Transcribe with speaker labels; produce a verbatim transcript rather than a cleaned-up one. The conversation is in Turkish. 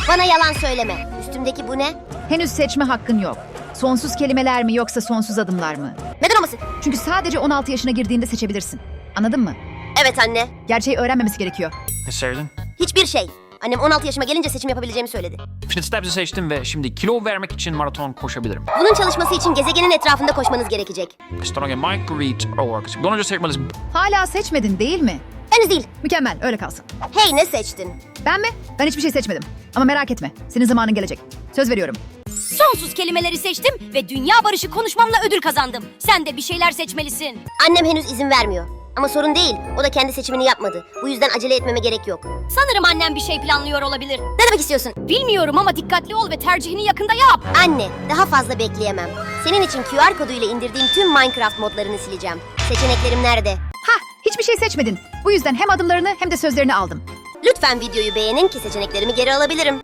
Speaker 1: Bana yalan söyleme. Üstümdeki bu ne?
Speaker 2: Henüz seçme hakkın yok. Sonsuz kelimeler mi yoksa sonsuz adımlar mı?
Speaker 1: Neden olmasın?
Speaker 2: Çünkü sadece on altı yaşına girdiğinde seçebilirsin. Anladın mı?
Speaker 1: Evet anne.
Speaker 2: Gerçeği öğrenmemesi gerekiyor.
Speaker 3: Ne sevdin?
Speaker 1: Hiçbir şey. Annem on altı yaşıma gelince seçim yapabileceğimi söyledi.
Speaker 3: Fitness Steps'i seçtim ve şimdi kilo vermek için maraton koşabilirim.
Speaker 1: Bunun çalışması için gezegenin etrafında koşmanız gerekecek.
Speaker 3: Stronge Marguerite Orks. Bundan önce seçmelisin.
Speaker 2: Hala seçmedin değil mi?
Speaker 1: Henüz değil.
Speaker 2: Mükemmel, öyle kalsın.
Speaker 1: Hey, ne seçtin?
Speaker 2: Ben mi? Ben hiçbir şey seçmedim. Ama merak etme, senin zamanın gelecek. Söz veriyorum.
Speaker 4: Sonsuz kelimeleri seçtim ve dünya barışı konuşmamla ödül kazandım. Sen de bir şeyler seçmelisin.
Speaker 1: Annem henüz izin vermiyor. Ama sorun değil. O da kendi seçimini yapmadı. Bu yüzden acele etmeme gerek yok.
Speaker 4: Sanırım annem bir şey planlıyor olabilir.
Speaker 1: Ne demek istiyorsun?
Speaker 4: Bilmiyorum ama dikkatli ol ve tercihini yakında yap.
Speaker 1: Anne, daha fazla bekleyemem. Senin için Q R koduyla indirdiğim tüm Minecraft modlarını sileceğim. Seçeneklerim nerede?
Speaker 2: Hah, hiçbir şey seçmedin. Bu yüzden hem adımlarını hem de sözlerini aldım.
Speaker 1: Lütfen videoyu beğenin ki seçeneklerimi geri alabilirim.